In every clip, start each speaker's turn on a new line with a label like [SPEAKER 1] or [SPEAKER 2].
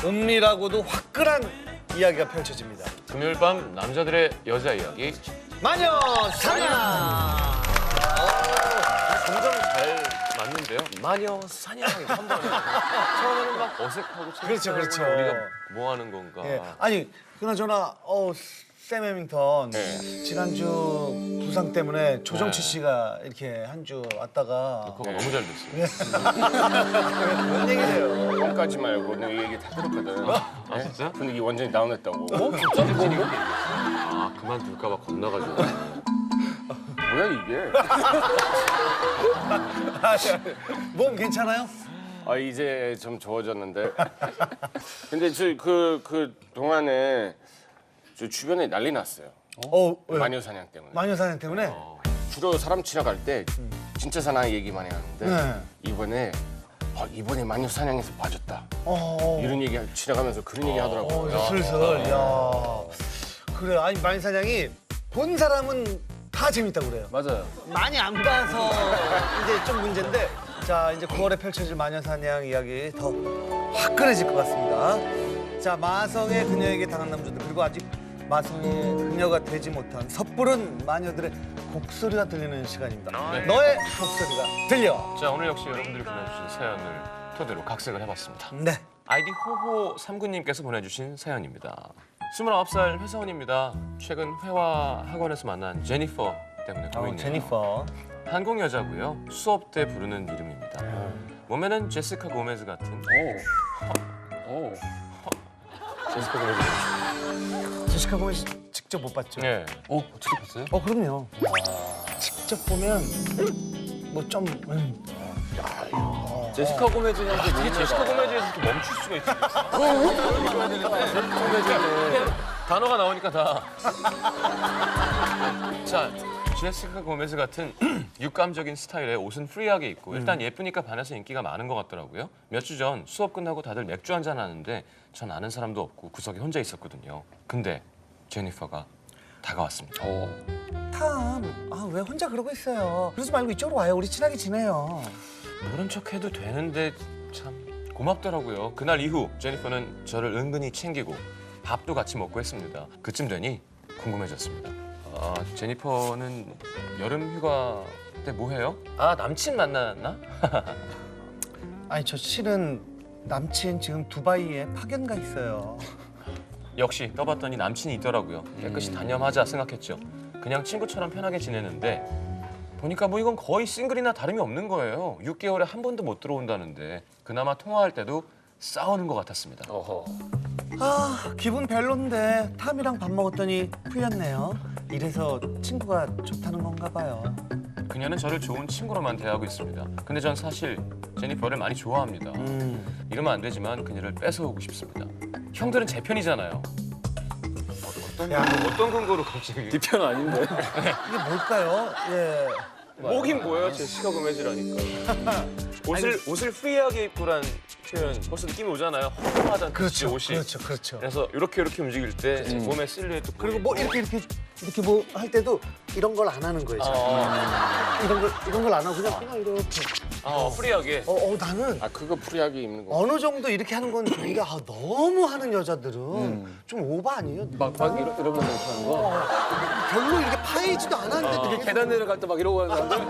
[SPEAKER 1] 은밀하고도 화끈한 이야기가 펼쳐집니다.
[SPEAKER 2] 금요일 밤 남자들의 여자 이야기.
[SPEAKER 1] 마녀 사냥.
[SPEAKER 2] 점점 잘 맞는데요. 마녀 사냥이 한 번에. 처음에는 막 어색하고
[SPEAKER 1] 그렇죠, 그렇죠.
[SPEAKER 2] 우리가 뭐 하는 건가.
[SPEAKER 1] 예. 아니 그나저나 샘 해밍턴 지난주 부상 때문에 조정치 씨가 이렇게 한 주 왔다가
[SPEAKER 2] 그거 너무 잘 됐어요.
[SPEAKER 1] 그런 얘기를 해요.
[SPEAKER 3] 형까지 말고 내가 이 얘기 다 들었거든.
[SPEAKER 2] 아 진짜?
[SPEAKER 3] 분위기 완전히 다운했다고.
[SPEAKER 2] 아 그만둘까 봐 겁나가지고.
[SPEAKER 3] 뭐야 이게?
[SPEAKER 1] 몸 괜찮아요?
[SPEAKER 3] 아 이제 좀 좋아졌는데. 근데 그 동안에 저 주변에 난리 났어요.
[SPEAKER 1] 왜요?
[SPEAKER 3] 마녀 사냥 때문에.
[SPEAKER 1] 마녀 사냥 때문에?
[SPEAKER 3] 주로 사람 지나갈 때 진짜 사나이 얘기 많이 하는데
[SPEAKER 1] 네.
[SPEAKER 3] 이번에 마녀 사냥에서 빠졌다.
[SPEAKER 1] 어.
[SPEAKER 3] 이런 얘기 지나가면서 그런 얘기 하더라고요.
[SPEAKER 1] 이제 슬슬. 야. 그래. 아니 마녀 사냥이 본 사람은 다 재밌다고 그래요.
[SPEAKER 3] 맞아요.
[SPEAKER 1] 많이 안 봐서 이제 좀 문제인데 자 이제 9월에 펼쳐질 마녀사냥 이야기 더 화끈해질 것 같습니다. 자 마성의 그녀에게 당한 남자들 그리고 아직 마성의 그녀가 되지 못한 섣부른 마녀들의 곡소리가 들리는 시간입니다. 너의 곡소리가 들려.
[SPEAKER 2] 자 오늘 역시 여러분들이 보내주신 사연을 토대로 각색을 해봤습니다.
[SPEAKER 1] 네.
[SPEAKER 2] 아이디 호호 39님께서 보내주신 사연입니다. 29살 회사원입니다. 최근 회화 학원에서 만난 제니퍼 때문에 고민이에요.
[SPEAKER 1] 제니퍼.
[SPEAKER 2] 한국 여자고요. 수업 때 부르는 이름입니다. 몸에는 제시카 고메즈 같은. 제시카 고메즈.
[SPEAKER 1] 제시카 보면 직접 못 봤죠?
[SPEAKER 2] 네.
[SPEAKER 3] 어떻게 봤어요?
[SPEAKER 1] 그럼요. 직접 보면 뭐좀
[SPEAKER 3] 제시카 고메즈는
[SPEAKER 2] 이게 제시카 고메즈에서 또 멈출 수가 있어. 단어가 나오니까 다. 자, 제시카 고메즈 같은 육감적인 스타일의 옷은 프리하게 입고 일단 예쁘니까 반해서 인기가 많은 것 같더라고요. 몇 주 전 수업 끝나고 다들 맥주 한잔 하는데 전 아는 사람도 없고 구석에 혼자 있었거든요. 근데 제니퍼가 다가왔습니다.
[SPEAKER 1] 왜 혼자 그러고 있어요? 그러지 말고 이쪽으로 와요. 우리 친하게 지내요.
[SPEAKER 2] 모른 척 해도 되는데 참 고맙더라고요. 그날 이후 제니퍼는 저를 은근히 챙기고 밥도 같이 먹고 했습니다. 그쯤 되니 궁금해졌습니다. 아, 제니퍼는 여름 휴가 때 뭐 해요? 아, 남친 만났나?
[SPEAKER 1] 아니 저 실은 남친 지금 두바이에 파견 가 있어요.
[SPEAKER 2] 역시 떠봤더니 남친이 있더라고요. 깨끗이 단념하자 생각했죠. 그냥 친구처럼 편하게 지내는데 보니까 뭐 이건 거의 싱글이나 다름이 없는 거예요. 6개월에 한 번도 못 들어온다는데 그나마 통화할 때도 싸우는 것 같았습니다.
[SPEAKER 1] 기분 별론데 탐이랑 밥 먹었더니 풀렸네요. 이래서 친구가 좋다는 건가 봐요.
[SPEAKER 2] 그녀는 저를 좋은 친구로만 대하고 있습니다. 근데 전 사실 제니퍼를 많이 좋아합니다. 이러면 안 되지만 그녀를 뺏어오고 싶습니다. 형들은 제 편이잖아요. 어떤 근거로 갑자기?
[SPEAKER 3] 네 편 아닌데.
[SPEAKER 1] 이게 뭘까요? 예.
[SPEAKER 2] 뭐긴 뭐예요? 제시카 고메즈라니까. 옷을 프리하게 입고란 표현 벌써 느낌이 오잖아요. 허름하다는 뜻이 옷이.
[SPEAKER 1] 그렇죠.
[SPEAKER 2] 그래서 이렇게 움직일 때 몸의 실루엣도
[SPEAKER 1] 그리고 뭐 이렇게 뭐 할 때도 이런 걸 안 하는 거예요. 이런 걸 안 하고 그냥 이렇게.
[SPEAKER 2] 프리하게.
[SPEAKER 1] 나는
[SPEAKER 3] 그거 프리하게 입는 거.
[SPEAKER 1] 어느 정도 이렇게 하는 건 좋은데 너무 하는 여자들은 좀 오버 아니에요?
[SPEAKER 3] 막 이러면서 이렇게 하는 거.
[SPEAKER 1] 별로 이렇게 파이지도 않았는데 되게
[SPEAKER 3] 계단 내려갈 때 막 이러고 하는 사람들.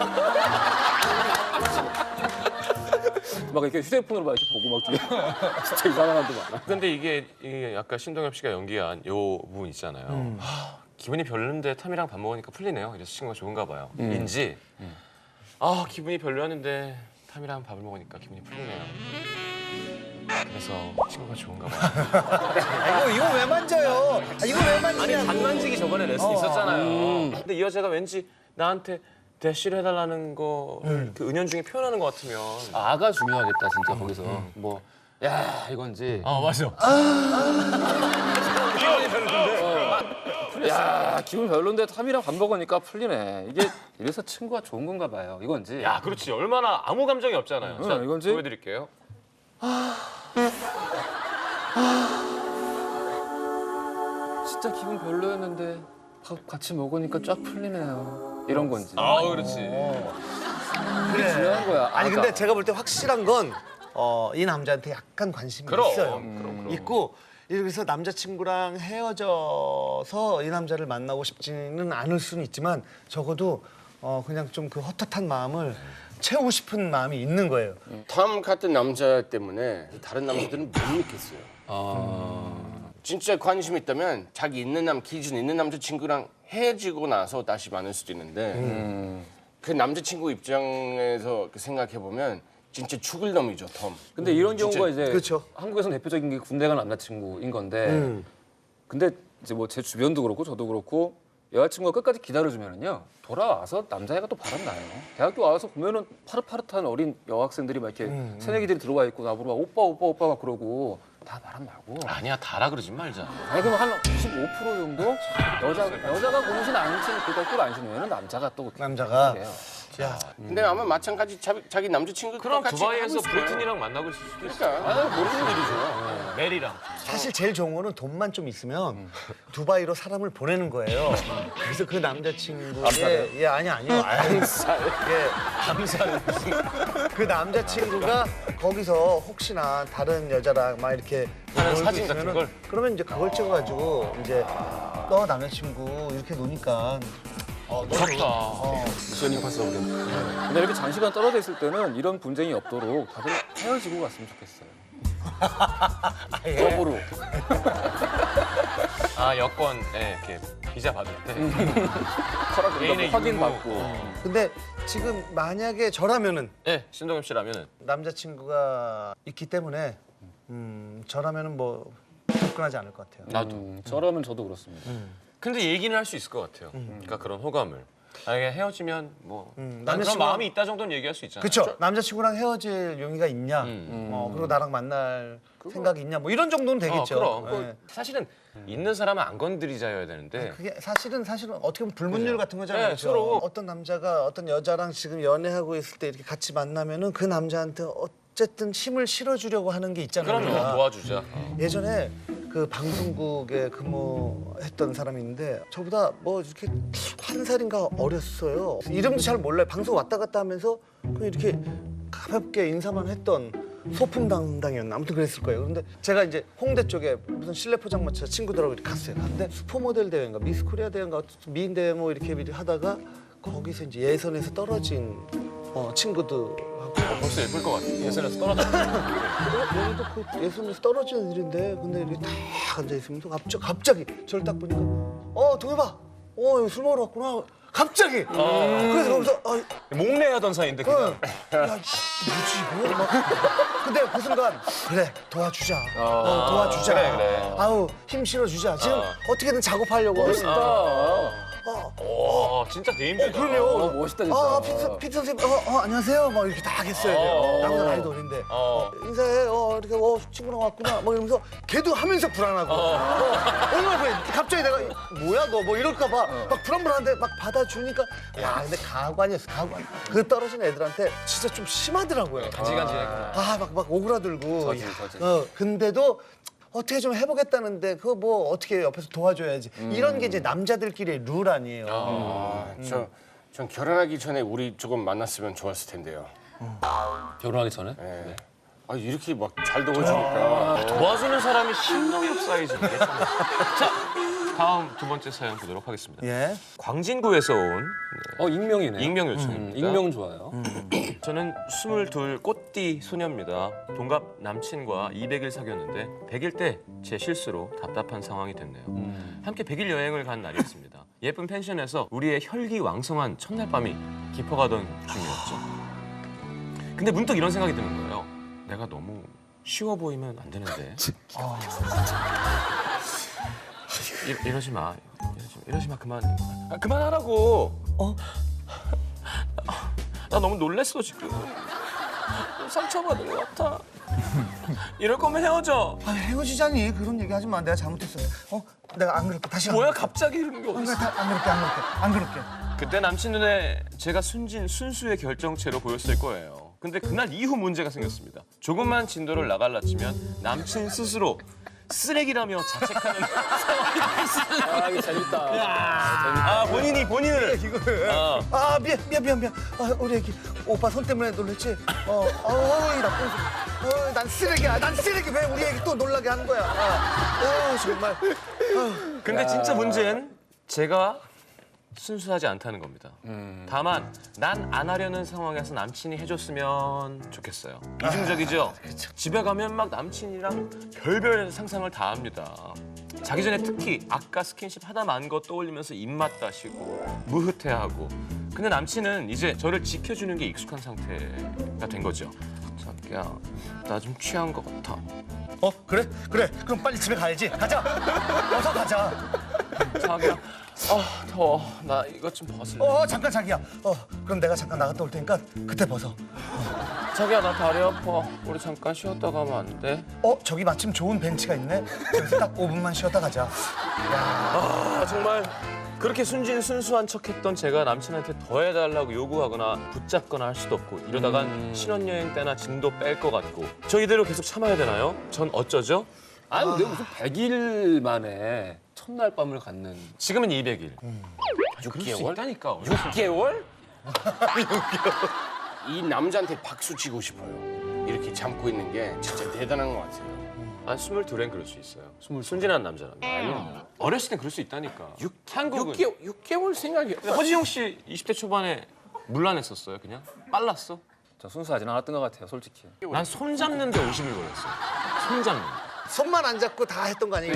[SPEAKER 3] 막 이렇게 휴대폰으로 막 이렇게 보고 막 뒤에 진짜 이상한 사람도 많아.
[SPEAKER 2] 근데 이게 아까 신동엽 씨가 연기한 요 부분 있잖아요. 기분이 별론데 탐이랑 밥 먹으니까 풀리네요. 이래서 친구가 좋은가 봐요. 인지 기분이 별로였는데 탐이랑 밥을 먹으니까 기분이 풀리네요. 그래서 친구가 좋은가 봐요.
[SPEAKER 1] 이거 왜 만져요? 이거 왜
[SPEAKER 2] 아니
[SPEAKER 1] 만지냐고.
[SPEAKER 2] 단 만지기 저번에 레슨 있었잖아요. 근데 이 여자가 왠지 나한테 대시를 해달라는 거 그 은연중에 표현하는 것 같으면.
[SPEAKER 4] 아가 중요하겠다 진짜 거기서 뭐 야 이건지
[SPEAKER 2] 맞아.
[SPEAKER 4] 야 기분 별론데 탐이랑 밥 먹으니까 풀리네 이게 이래서 친구가 좋은 건가 봐요 이건지
[SPEAKER 2] 야 그렇지. 얼마나 아무 감정이 없잖아요. 자,
[SPEAKER 4] 이건지?
[SPEAKER 2] 보여드릴게요.
[SPEAKER 4] 진짜 기분 별로였는데 밥 같이 먹으니까 쫙 풀리네요 이런 건지
[SPEAKER 2] 그렇지.
[SPEAKER 4] 그게 중요한 거야
[SPEAKER 1] 아니
[SPEAKER 4] 아가.
[SPEAKER 1] 근데 제가 볼 때 확실한 건 이 남자한테 약간 관심이
[SPEAKER 2] 그럼,
[SPEAKER 1] 있어요.
[SPEAKER 2] 그럼.
[SPEAKER 1] 있고 그래서 남자친구랑 헤어져서 이 남자를 만나고 싶지는 않을 수는 있지만 적어도 그냥 좀 그 헛헛한 마음을 채우고 싶은 마음이 있는 거예요.
[SPEAKER 5] 톰 같은 남자 때문에 다른 남자들은 못 믿겠어요. 진짜 관심 있다면 자기 기준 있는 남자친구랑 헤어지고 나서 다시 만날 수도 있는데 그 남자친구 입장에서 생각해 보면 진짜 죽을 놈이죠, 톰.
[SPEAKER 3] 근데 이런 경우가 이제
[SPEAKER 1] 그렇죠.
[SPEAKER 3] 한국에서는 대표적인 게 군대 간 남자친구인 건데 근데 이제 뭐 제 주변도 그렇고 저도 그렇고 여자친구가 끝까지 기다려주면은요 돌아와서 남자애가 또 바람나요. 대학교 와서 보면은 파릇파릇한 어린 여학생들이 막 이렇게 새내기들이 들어와 있고 나보고 막 오빠 막 그러고 다 바람나고.
[SPEAKER 2] 아니야 다라 그러지 말자.
[SPEAKER 3] 아니 그럼 한 15% 정도 여자가 고무신 안 신고 그러니까 꿀안 신으면 남자가 또
[SPEAKER 1] 남자가
[SPEAKER 3] 그래요.
[SPEAKER 5] 근데 아마 마찬가지 자기 남자친구
[SPEAKER 2] 그럼
[SPEAKER 5] 똑같이
[SPEAKER 2] 두바이에서
[SPEAKER 5] 하고 있어요.
[SPEAKER 2] 브리튼이랑 만나고 있을 수도 있어.
[SPEAKER 5] 그러니까 모르는 일이죠.
[SPEAKER 2] 메리랑.
[SPEAKER 1] 사실 제일 좋은 거는 돈만 좀 있으면 두바이로 사람을 보내는 거예요. 그래서 그 남자친구의 아니요. 암살. 그 남자친구가 거기서 혹시나 다른 여자랑 막 이렇게
[SPEAKER 2] 하는
[SPEAKER 1] 놀고
[SPEAKER 2] 사진 같은
[SPEAKER 1] 있으면은
[SPEAKER 2] 걸?
[SPEAKER 1] 그러면 이제 그걸 찍어가지고 이제 너 남자친구 이렇게 노니까
[SPEAKER 2] 무섭다.
[SPEAKER 3] 미션 임파서블. 근데 이렇게 장시간 떨어져 있을 때는 이런 분쟁이 없도록 다들 헤어지고 갔으면 좋겠어요. 법으로.
[SPEAKER 2] 여권에 이렇게 비자 받을 때
[SPEAKER 3] 허락
[SPEAKER 2] 개인의
[SPEAKER 3] 확인
[SPEAKER 2] 유무.
[SPEAKER 3] 받고.
[SPEAKER 1] 근데 지금 만약에 저라면은
[SPEAKER 2] 네, 신동엽 씨라면은
[SPEAKER 1] 남자친구가 있기 때문에 저라면은 뭐 접근하지 않을 것 같아요.
[SPEAKER 2] 나도.
[SPEAKER 3] 저라면 저도 그렇습니다.
[SPEAKER 2] 근데 얘기는 할 수 있을 것 같아요. 그러니까 그런 호감을. 만약에 헤어지면 뭐 난 그런
[SPEAKER 1] 남자친구랑-
[SPEAKER 2] 마음이 있다 정도는 얘기할 수 있잖아요.
[SPEAKER 1] 그렇죠. 남자친구랑 헤어질 용의가 있냐, 그리고 나랑 만날 생각이 있냐, 뭐 이런 정도는 되겠죠.
[SPEAKER 2] 그럼.
[SPEAKER 1] 네.
[SPEAKER 2] 사실은 있는 사람은 안 건드리자여야 되는데
[SPEAKER 1] 그게 사실은 어떻게 보면 불문율 같은 거잖아요.
[SPEAKER 2] 네,
[SPEAKER 1] 그렇죠?
[SPEAKER 2] 서로.
[SPEAKER 1] 어떤 남자가 어떤 여자랑 지금 연애하고 있을 때 이렇게 같이 만나면은 그 남자한테 어쨌든 힘을 실어주려고 하는 게 있잖아요.
[SPEAKER 2] 그럼요
[SPEAKER 1] 우리가.
[SPEAKER 2] 도와주자.
[SPEAKER 1] 예전에 그 방송국에 근무했던 사람이 있는데 저보다 뭐 이렇게 한 살인가 어렸어요. 이름도 잘 몰라요. 방송 왔다 갔다 하면서 그냥 이렇게 가볍게 인사만 했던 소품 담당이었나 아무튼 그랬을 거예요. 그런데 제가 이제 홍대 쪽에 무슨 실내 포장마차 친구들하고 이렇게 갔어요. 근데 슈퍼모델 대회인가 미스 코리아 대회인가 미인 대회 뭐 이렇게 하다가 거기서 이제 예선에서 떨어진 친구들하고
[SPEAKER 2] 벌써 예쁠 것 같아. 예선에서 떨어져.
[SPEAKER 1] 여기도 그 예선에서 떨어진 애들인데 근데 이렇게 딱 앉아 있으면서 갑자기 저를 딱 보니까 동해봐 여기 술 먹으러 왔구나 갑자기 그래서 거기서
[SPEAKER 2] 목례하던 사이인데 그냥.
[SPEAKER 1] 야 뭐지 이거 막 근데 그 순간 그래 도와주자 도와주자
[SPEAKER 2] 그래.
[SPEAKER 1] 아우 힘 실어주자 지금 어떻게든 작업하려고
[SPEAKER 2] 진짜 대인배다.
[SPEAKER 1] 그럼요
[SPEAKER 3] 멋있다 진짜.
[SPEAKER 1] 피트 선생님 안녕하세요 막 이렇게 다 했어요 나보다 나이도 어린데 인사해 이렇게 친구랑 왔구나 뭐 이러면서 걔도 하면서 불안하고 얼마나 불안해 갑자기 내가 뭐야 너 뭐 이럴까 봐 막 불안불안한데 막 받아주니까 야 근데 가관이었어 가관 그 떨어진 애들한테 진짜 좀 심하더라고요
[SPEAKER 2] 간지간지했구나.
[SPEAKER 1] 막 오그라들고
[SPEAKER 3] 저지.
[SPEAKER 1] 근데도 어떻게 좀 해보겠다는데 그거 뭐 어떻게 옆에서 도와줘야지 이런 게 이제 남자들끼리의 룰 아니에요.
[SPEAKER 5] 전 결혼하기 전에 우리 조금 만났으면 좋았을 텐데요.
[SPEAKER 3] 결혼하기 전에?
[SPEAKER 5] 네. 이렇게 막 잘 도와주니까.
[SPEAKER 2] 도와주는 사람이 신동엽 사이즈인데. 자, 다음 두 번째 사연 보도록 하겠습니다.
[SPEAKER 1] 예.
[SPEAKER 2] 광진구에서 온
[SPEAKER 3] 익명이네.
[SPEAKER 2] 익명 요청입니다.
[SPEAKER 3] 익명 좋아요.
[SPEAKER 2] 저는 22 꽃띠 소녀입니다. 동갑 남친과 200일 사귀었는데 100일 때 제 실수로 답답한 상황이 됐네요. 함께 100일 여행을 간 날이었습니다. 예쁜 펜션에서 우리의 혈기왕성한 첫날 밤이 깊어가던 중이었죠. 근데 문득 이런 생각이 드는 거예요. 내가 너무 쉬워 보이면 안 되는데. 이러지 마. 이러지 마. 그만하라고. 나 너무 놀랬어 지금. 상처받을 것 같아. 이럴 거면 헤어져.
[SPEAKER 1] 헤어지자니 그런 얘기 하지 마. 내가 잘못했어. 내가 안 그럴게. 다시
[SPEAKER 2] 뭐야 갑자기 이런 게
[SPEAKER 1] 안
[SPEAKER 2] 어딨어.
[SPEAKER 1] 그럴게. 안 그럴게.
[SPEAKER 2] 그때 남친 눈에 제가 순수의 결정체로 보였을 거예요. 근데 그날 이후 문제가 생겼습니다. 조금만 진도를 나갈라 치면 남친 스스로 쓰레기라며 자책하는 상황이 됐어요.
[SPEAKER 3] 이거 재밌다.
[SPEAKER 2] 본인을.
[SPEAKER 1] 미안. 우리 애기 오빠 손 때문에 놀랬지. 이 나쁜 난 쓰레기야. 난 쓰레기. 왜 우리 애기 또 놀라게 하는 거야? 정말.
[SPEAKER 2] 근데 진짜 문제는 제가 순수하지 않다는 겁니다. 다만 난 안 하려는 상황에서 남친이 해줬으면 좋겠어요. 이중적이죠? 집에 가면 막 남친이랑 별별 상상을 다 합니다. 자기 전에 특히 아까 스킨십 하다 만 거 떠올리면서 입맛 다시고 무흐태하고. 근데 남친은 이제 저를 지켜주는 게 익숙한 상태가 된 거죠. 자기야, 나 좀 취한 것 같아.
[SPEAKER 1] 그래? 그럼 빨리 집에 가야지. 가자. 어서 가자.
[SPEAKER 2] 자기야, 더워. 나 이것 좀 벗을래.
[SPEAKER 1] 잠깐 자기야. 그럼 내가 잠깐 나갔다 올 테니까 그때 벗어.
[SPEAKER 2] 자기야, 나 다리 아파. 우리 잠깐 쉬었다 가면 안 돼?
[SPEAKER 1] 저기 마침 좋은 벤치가 있네. 저기서 딱 5분만 쉬었다 가자.
[SPEAKER 2] 정말 그렇게 순진순수한 척했던 제가 남친한테 더 해달라고 요구하거나 붙잡거나 할 수도 없고 이러다간 신혼여행 때나 진도 뺄 것 같고 저 이대로 계속 참아야 되나요? 전 어쩌죠?
[SPEAKER 3] 아니 근데 무슨 100일 만에 첫날 밤을 갖는.
[SPEAKER 2] 지금은 200일.
[SPEAKER 5] 6개월?
[SPEAKER 2] 있다니까.
[SPEAKER 5] 6개월? 이 남자한테 박수 치고 싶어요. 이렇게 참고 있는 게 진짜 대단한 것 같아요.
[SPEAKER 2] 한 22엔 그럴 수 있어요. 순진한 남자라면. 어렸을 땐 그럴 수 있다니까. 한국은.
[SPEAKER 5] 6개월 생각이.
[SPEAKER 2] 허지용 씨 20대 초반에 물란했었어요, 그냥? 빨랐어?
[SPEAKER 3] 저 순수하진 않았던 것 같아요, 솔직히.
[SPEAKER 2] 난 손 잡는데 50일 걸렸어. 손 잡는.
[SPEAKER 1] 손만 안 잡고 다 했던 거 아니에요?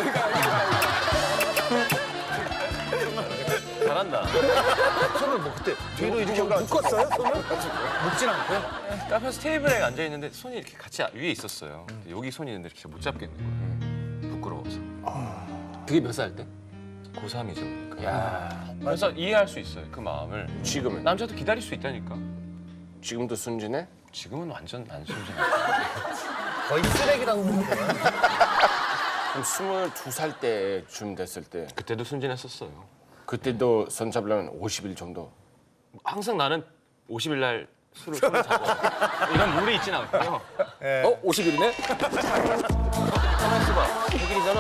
[SPEAKER 2] 잘한다.
[SPEAKER 1] 손을 뭐 그때 뒤로 이렇게 묶었어요? 손을? 묶진 않고요?
[SPEAKER 2] 카페에서 테이블에 앉아 있는데 손이 이렇게 같이 위에 있었어요. 근데 여기 손이 있는데 이렇게 못 잡겠는 거예요. 부끄러워서.
[SPEAKER 3] 그게 몇 살 때?
[SPEAKER 2] 고3이죠. 그래서 이해할 수 있어요. 그 마음을.
[SPEAKER 5] 지금은?
[SPEAKER 2] 남자도 기다릴 수 있다니까.
[SPEAKER 5] 지금도 순진해?
[SPEAKER 2] 지금은 완전 안 순진해.
[SPEAKER 1] 거의 쓰레기라고 보면 돼요.
[SPEAKER 5] 그럼 22살 때쯤 됐을 때
[SPEAKER 2] 그때도 순진했었어요.
[SPEAKER 5] 그때도 손 잡으려면 50일 정도.
[SPEAKER 2] 항상 나는 50일 날 술을 잡아. 이런 룰이 있진 않고요.
[SPEAKER 3] 50일이네?
[SPEAKER 2] 가만 있어봐. 100일이잖아.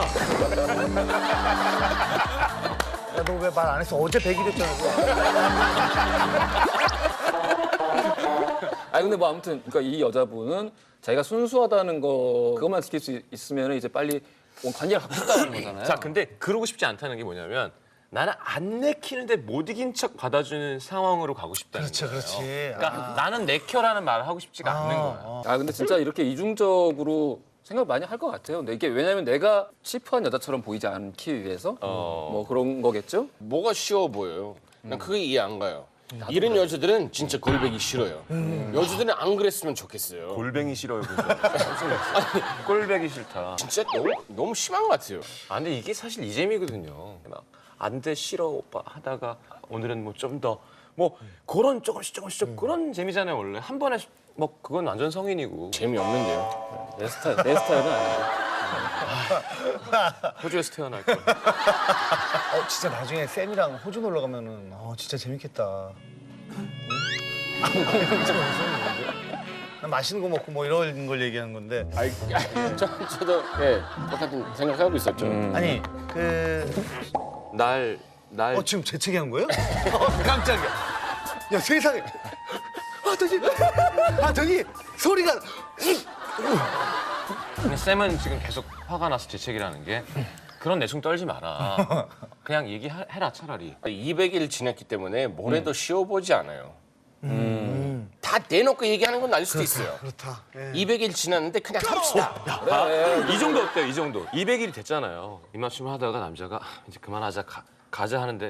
[SPEAKER 1] 야, 너 왜 말 안 했어? 어제 100일이었잖아.
[SPEAKER 3] 아니 근데 뭐 아무튼 그러니까 이 여자분은 자기가 순수하다는 거 그것만 지킬 수 있으면 이제 빨리 관계를 갖고 싶다는 거잖아요.
[SPEAKER 2] 자, 근데 그러고 싶지 않다는 게 뭐냐면 나는 안 내키는데 못 이긴 척 받아주는 상황으로 가고 싶다는 거예요.
[SPEAKER 1] 그렇지.
[SPEAKER 2] 그러니까 나는 내켜라는 말을 하고 싶지가 않는 거야.
[SPEAKER 3] 근데 진짜 이렇게 이중적으로 생각 많이 할 것 같아요. 근데 이게 왜냐면 내가 치프한 여자처럼 보이지 않기 위해서 뭐 그런 거겠죠?
[SPEAKER 5] 뭐가 쉬워 보여요. 난 그게 이해 안 가요. 이런 여자들은 진짜 골뱅이 싫어요. 여자들은 안 그랬으면 좋겠어요.
[SPEAKER 2] 골뱅이 싫어요. 꼴배기 싫다.
[SPEAKER 5] 진짜 너무 심한 것 같아요.
[SPEAKER 2] 근데 이게 사실 이재미거든요. 막 안 돼 싫어 오빠 하다가 오늘은 뭐 좀 더 뭐 그런 조금씩 그런 재미잖아요 원래. 한 번에 뭐 그건 완전 성인이고.
[SPEAKER 5] 재미없는데요.
[SPEAKER 3] 내 스타일은 아니에요.
[SPEAKER 2] 호주에서 태어날 거.
[SPEAKER 1] 진짜 나중에 쌤이랑 호주 놀러 가면은 진짜 재밌겠다. 맛있는 거 먹고 뭐 이런 걸 얘기하는 건데.
[SPEAKER 5] 저도 똑같은 생각하고 있었죠.
[SPEAKER 1] 아니
[SPEAKER 2] 날
[SPEAKER 1] 지금 재채기 한 거예요? 깜짝이야. 야 세상에. 저기 소리가.
[SPEAKER 2] 근데 쌤은 지금 계속 화가 나서 재채기라는 게 그런 내숭 떨지 마라. 그냥 얘기해라 차라리.
[SPEAKER 5] 200일 지났기 때문에 뭐래도 쉬워보지 않아요. 다 대놓고 얘기하는 건 아닐 수도 있어요.
[SPEAKER 1] 그렇다.
[SPEAKER 5] 200일 지났는데 그냥 합시다.
[SPEAKER 2] 이 정도 어때요? 이 정도. 200일이 됐잖아요. 입맞춤을 하다가 남자가 이제 그만하자 가자 하는데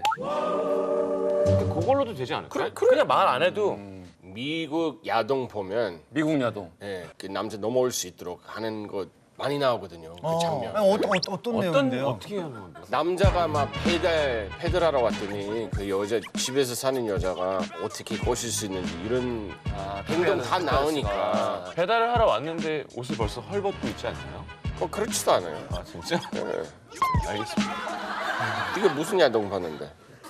[SPEAKER 2] 그걸로도 되지 않을까요? 그냥 말 안 해도
[SPEAKER 5] 미국 야동 보면
[SPEAKER 3] 미국 야동.
[SPEAKER 5] 그 남자 넘어올 수 있도록 하는 거 많이 나오거든요. 그 장면.
[SPEAKER 1] 어떤 내용인데요?
[SPEAKER 2] 어떻게 하는 건데?
[SPEAKER 5] 남자가 막 페달하러 왔더니 그 여자 집에서 사는 여자가 어떻게 꼬실 수 있는지 이런 행동 다 나오니까
[SPEAKER 2] 배달을 하러 왔는데 옷을 벌써 헐벗고 있지 않나요?
[SPEAKER 5] 그렇지도 않아요.
[SPEAKER 2] 아 진짜? 알겠습니다.
[SPEAKER 5] 이게 무슨 야동 봤는데?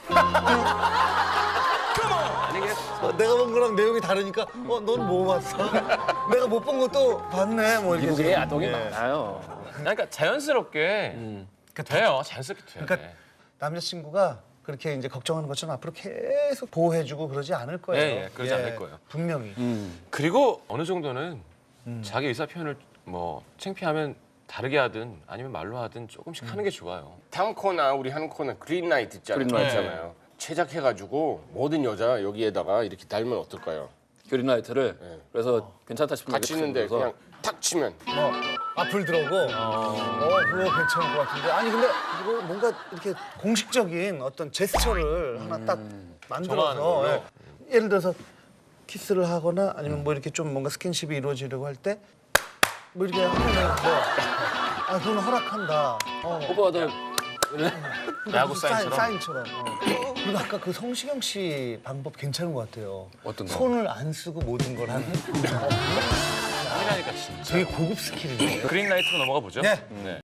[SPEAKER 1] 내가 본 거랑 내용이 다르니까 넌 뭐 봤어? 내가 못 본 것도 봤네. 뭐 이렇게.
[SPEAKER 3] 미국에 야동이 많아요.
[SPEAKER 2] 그러니까 자연스럽게 돼요. 자연스럽게 돼요.
[SPEAKER 1] 그러니까 남자친구가 그렇게 이제 걱정하는 것처럼 앞으로 계속 보호해주고 그러지 않을 거예요.
[SPEAKER 2] 그러지 않을 거예요.
[SPEAKER 1] 분명히.
[SPEAKER 2] 그리고 어느 정도는 자기 의사 표현을 뭐 창피하면 다르게 하든 아니면 말로 하든 조금씩 하는 게 좋아요.
[SPEAKER 5] 다음 코너 우리 하는 코너 그린라이트
[SPEAKER 3] 그린라이트.
[SPEAKER 5] 있잖아요. 제작해가지고 모든 여자 여기에다가 이렇게 달면 어떨까요?
[SPEAKER 3] 그린라이트를 그래서 괜찮다 싶으면
[SPEAKER 5] 같이 있는데 그냥 탁 치면
[SPEAKER 1] 앞을 들어오고 그거 괜찮을 것 같은데 아니 근데 이거 뭔가 이렇게 공식적인 어떤 제스처를 하나 딱
[SPEAKER 2] 정하는
[SPEAKER 1] 만들어서
[SPEAKER 2] 걸로.
[SPEAKER 1] 예. 예를 들어서 키스를 하거나 아니면 뭐 이렇게 좀 뭔가 스킨십이 이루어지려고 할 때 뭐 이렇게 하면 그건 허락한다.
[SPEAKER 3] 오빠들
[SPEAKER 2] 야구
[SPEAKER 1] 무슨
[SPEAKER 2] 사인처럼?
[SPEAKER 1] 사인처럼. 그리고 아까 그 성시경 씨 방법 괜찮은 것 같아요.
[SPEAKER 3] 어떤 거?
[SPEAKER 1] 손을 안 쓰고 모든 걸 하는.
[SPEAKER 2] 땀이라니까 진짜.
[SPEAKER 1] 되게 고급 스킬이네요.
[SPEAKER 2] 그린라이트로 넘어가 보죠.
[SPEAKER 1] 네.